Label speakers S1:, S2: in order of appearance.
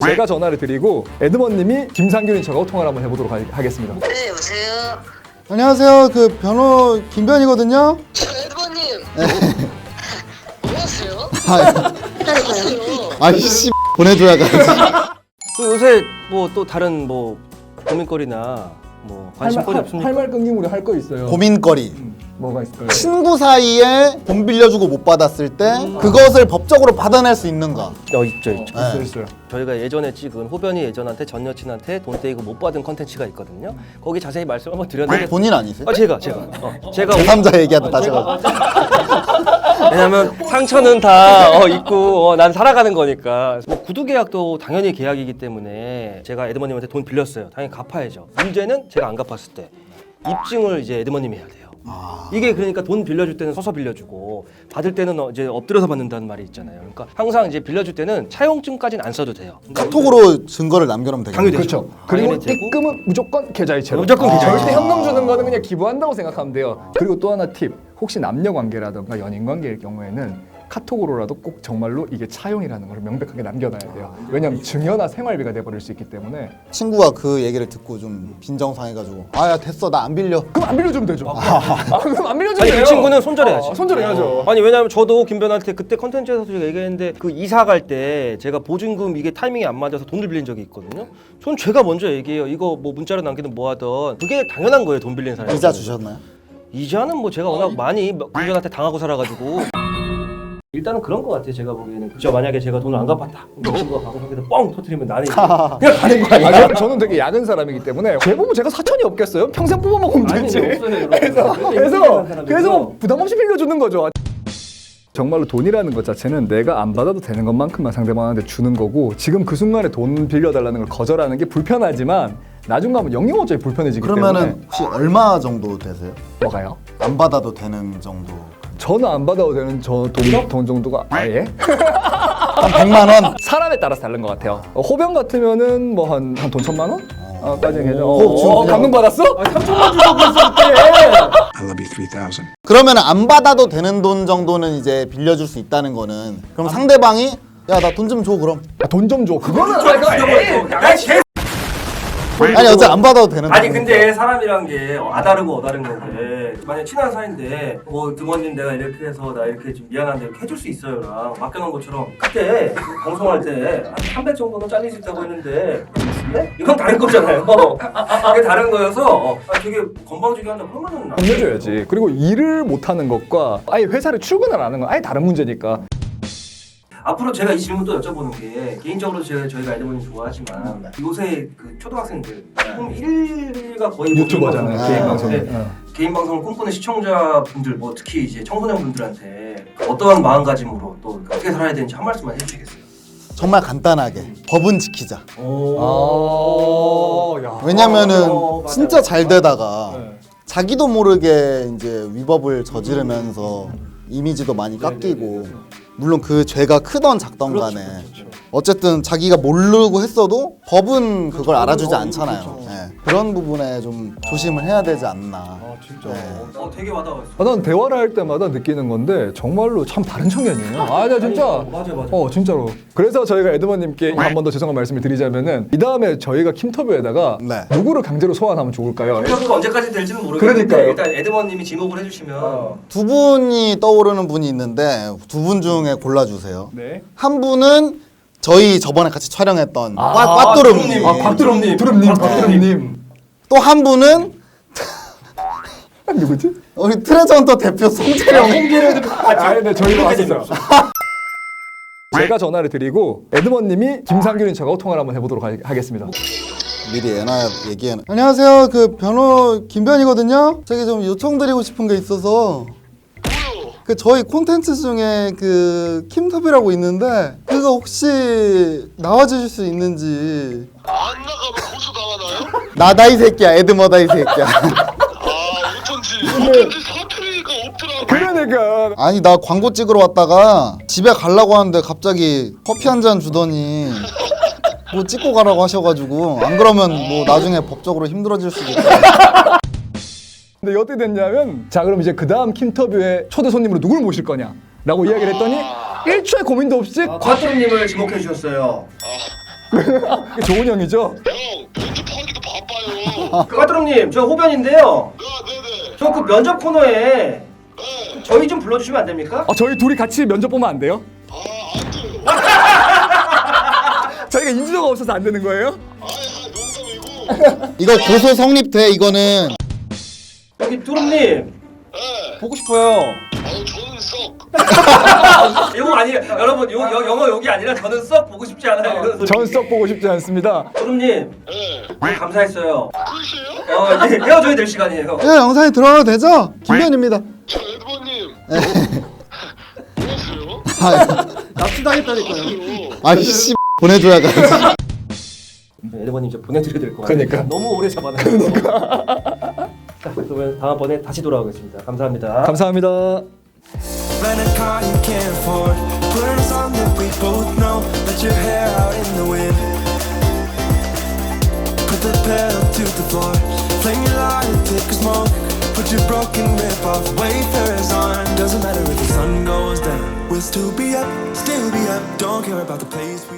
S1: 제가 전화를 드리고 에드먼님이 김상균인 척하고 통화를 한번 해보도록 하겠습니다.
S2: 네, 여보세요?
S3: 안녕하세요. 그 변호 김변이거든요.
S2: 에드버님! 뭐 하세요?
S3: 기다려봐요. 아이씨 보내줘야지.
S4: 또 요새 뭐 또 다른 뭐 고민거리나 뭐 관심거리 없습니까?
S1: 할말 끊김 우리 할 거 있어요.
S3: 고민거리.
S1: 뭐가 있을까요?
S3: 친구 사이에 돈 빌려주고 못 받았을 때 그것을 법적으로 받아낼 수 있는가?
S4: 있죠.
S1: 있어요, 있어요.
S4: 저희가 예전에 찍은 호변이 예전한테 전 여친한테 돈 떼이고 못 받은 컨텐츠가 있거든요. 거기 자세히 말씀 한번 드렸는데
S3: 본인 아니세요?
S4: 제가
S3: 제3자 얘기하다 다시 가.
S4: 왜냐면 상처는 다 있고 난 살아가는 거니까. 뭐 구두 계약도 당연히 계약이기 때문에 제가 에드머님한테 돈 빌렸어요. 당연히 갚아야죠. 문제는 제가 안 갚았을 때 입증을 이제 에드머님이 해야 돼요. 이게 그러니까 돈 빌려줄 때는 서서 빌려주고 받을 때는 이제 엎드려서 받는다는 말이 있잖아요. 그러니까 항상 이제 빌려줄 때는 차용증까지는 안 써도 돼요.
S3: 카톡으로 증거를 남겨놓으면 되겠네요.
S4: 당연히
S1: 그렇죠. 그리고
S4: 당연히 되고.
S1: 입금은 무조건 계좌이체로.
S4: 무조건 계좌이체.
S1: 절대 현금 주는 거는 그냥 기부한다고 생각하면 돼요. 그리고 또 하나 팁. 혹시 남녀 관계라든가 연인 관계일 경우에는 카톡으로라도 꼭 정말로 이게 차용이라는 걸 명백하게 남겨놔야 돼요. 왜냐면 증여나 생활비가 돼버릴 수 있기 때문에.
S3: 친구가 그 얘기를 듣고 좀 빈정상해가지고 아야 됐어 나 안 빌려.
S1: 그럼 안 빌려주면 되죠. 그럼 안 빌려주면
S4: 아니
S1: 돼요.
S4: 그 친구는 손절해야지.
S1: 손절해야죠.
S4: 아니 왜냐면 저도 김변한테 그때 컨텐츠에서도 제가 얘기했는데 그 이사 갈 때 제가 보증금 이게 타이밍이 안 맞아서 돈을 빌린 적이 있거든요. 전 제가 먼저 얘기해요. 이거 뭐 문자로 남기든 뭐 하든 그게 당연한 거예요. 돈 빌린 사람이.
S3: 이자 주셨나요?
S4: 이자는 뭐 제가 워낙 많이 김변한테 당하고 살아가지고 일단은 그런 거 같아요. 제가 보기에는 저 만약에 제가 돈을 안 갚았다. 그 친구가 방송에서 뻥 터뜨리면 나는 이제 그냥 가는 거 아니야?
S1: 저는 되게 야근 사람이기 때문에 대부분 제가 사천이 없겠어요? 평생 뽑아먹으면 되지.
S4: 없어요,
S1: 그래서 부담 없이 빌려주는 거죠. 정말로 돈이라는 것 자체는 내가 안 받아도 되는 것만큼만 상대방한테 주는 거고 지금 그 순간에 돈 빌려달라는 걸 거절하는 게 불편하지만 나중 가면 영영어적이 불편해지기 때문에.
S3: 그러면은 혹시 얼마 정도 되세요?
S1: 뭐가요?
S3: 안 받아도 되는 정도.
S1: 저는 안 받아도 되는 돈 정도가 아예?
S3: 한 100만 원?
S1: 사람에 따라서 다른 것 같아요. 호병 같으면은 뭐 한 돈 1,000만 원? 까지
S3: 지금
S1: 감금 받았어? 3천만 주고 있을 때.
S5: I love you 3,000.
S3: 그러면 안 받아도 되는 돈 정도는 이제 빌려줄 수 있다는 거는 그럼 상대방이 야 나 돈 좀 줘 그럼.
S1: 돈 좀 줘. 그거는
S3: 아니 어차피 안 받아도 되는
S4: 아니
S3: 돈이니까.
S4: 근데 사람이란 게 아다르고 어다른 건데 만약 친한 사이인데 뭐 드머님 내가 이렇게 해서 나 이렇게 좀 미안한데 이렇게 해줄 수 있어요랑 맡겨놓은 것처럼 그때 방송할 때 한 300 정도는 잘릴 수 있다고 했는데 네? 이건 다른 거잖아요. 이게 다른 거여서 되게 건방지게 한다 그러면은
S1: 혼내줘야지. 그리고 일을 못하는 것과 아예 회사를 출근을 안 하는 건 아예 다른 문제니까.
S4: 앞으로 제가 이 질문 또 여쭤보는 게 개인적으로 저희가 에드머님 좋아하지만 요새 그 초등학생들 지금 1위가 거의
S1: 유튜버잖아요.
S3: 아,
S1: 개인 방송.
S4: 네. 개인 방송을 꿈꾸는 시청자분들 뭐 특히 이제 청소년분들한테 어떠한 마음가짐으로 또 어떻게 살아야 되는지 한 말씀만 해주시겠어요?
S3: 정말 간단하게 법은 지키자.
S1: 야.
S3: 왜냐면은 진짜 잘 되다가
S1: 네.
S3: 자기도 모르게 이제 위법을 저지르면서 이미지도 많이 깎이고 물론 그 죄가 크던 작던 간에 어쨌든 자기가 모르고 했어도 법은 그걸 알아주지 않잖아요. 네. 그런 부분에 좀 조심을 해야 되지 않나.
S1: 진짜.
S3: 네.
S4: 되게 와닿았어요.
S1: 난 대화를 할 때마다 느끼는 건데 정말로 참 다른 청년이에요. 나 진짜.
S4: 맞아요.
S1: 진짜로. 그래서 저희가 에드머님께 한 번 더 죄송한 말씀을 드리자면은 이 다음에 저희가 킴터뷰에다가
S3: 네.
S1: 누구를 강제로 소환하면 좋을까요?
S4: 인터뷰가 언제까지 될지는 모르겠는데
S1: 그러니까요.
S4: 일단 에드머님이 지목을 해주시면
S3: 두 분이 떠오르는 분이 있는데 두 분 중에 골라주세요.
S1: 네.
S3: 한 분은 저희 저번에 같이 촬영했던 꽈뚜름님.
S1: 곽두름님.
S3: 또 한 분은
S1: 누구지?
S3: 우리 트레저헌터 대표 송재령.
S1: 네, 저희가 왔었어요. 제가 전화를 드리고 에드먼님이 김상균인 척하고 통화를 한번 해보도록 하겠습니다.
S3: 미리 얘기해. 안녕하세요. 그 변호 김변이거든요. 저기 좀 요청드리고 싶은 게 있어서. 그 저희 콘텐츠 중에 그 킴터뷰라고 있는데 그거 혹시 나와주실 수 있는지.
S6: 안 나가면 고소 당하나요?
S3: 나다 이 새끼야. 에드머다 이 새끼야.
S6: 어쩐지 사투리가 없더라고.
S1: 그러니까.
S3: 아니 나 광고 찍으러 왔다가 집에 가려고 하는데 갑자기 커피 한 잔 주더니 뭐 찍고 가라고 하셔가지고 안 그러면 뭐 나중에 법적으로 힘들어질 수도 있고.
S1: 근데 어떻게 됐냐면 자 그럼 이제 그 다음 킴터뷰에 초대 손님으로 누굴 모실 거냐 라고 이야기를 했더니 1초의 고민도 없이
S4: 곽두름님을 지목해 주셨어요.
S1: 좋은 형이죠?
S6: 형 면접하기도 바빠요.
S4: 까드롱님 저 호변인데요.
S6: 네네.
S4: 저 그 면접 코너에
S6: 네.
S4: 저희 좀 불러주시면 안 됩니까?
S1: 저희 둘이 같이 면접 보면 안 돼요?
S6: 안 돼요.
S1: 저희가 인지도가 없어서 안 되는 거예요?
S6: 농담이고.
S3: 이거 고소 성립돼 이거는.
S4: 여기 뚜rum님
S6: 네.
S4: 보고 싶어요.
S6: 저는 썩.
S4: 이거 아니에요. 여러분 영어 욕이 아니라 저는 썩 보고 싶지 않아요. 이런 소리.
S1: 전 썩 보고 싶지 않습니다.
S4: 뚜rum님
S6: 네.
S4: 너무 감사했어요.
S6: 끝이에요?
S4: 이제 헤어져야 될 시간이에요.
S3: 네, 영상에 들어가도 되죠? 김현입니다.
S6: 저 에드버님. 뭐하세요?
S3: 납치당했다니까요. 아이씨 보내줘야 돼.
S4: 에드버님 저 보내드려야 될 것 같아요.
S1: 그러니까.
S4: 너무 오래 잡아놨어요. 자 그러면 다음번에 다시 돌아오겠습니다. 감사합니다.
S1: 감사합니다.
S7: Rent a car you can't afford. Put on a song that we both know. Let your hair out in the wind. Put the pedal to the floor. Flame your light and take a smoke. Put your broken rip off. Wafers on. Doesn't matter if the sun goes down. We'll still be up, still be up. Don't care about the place we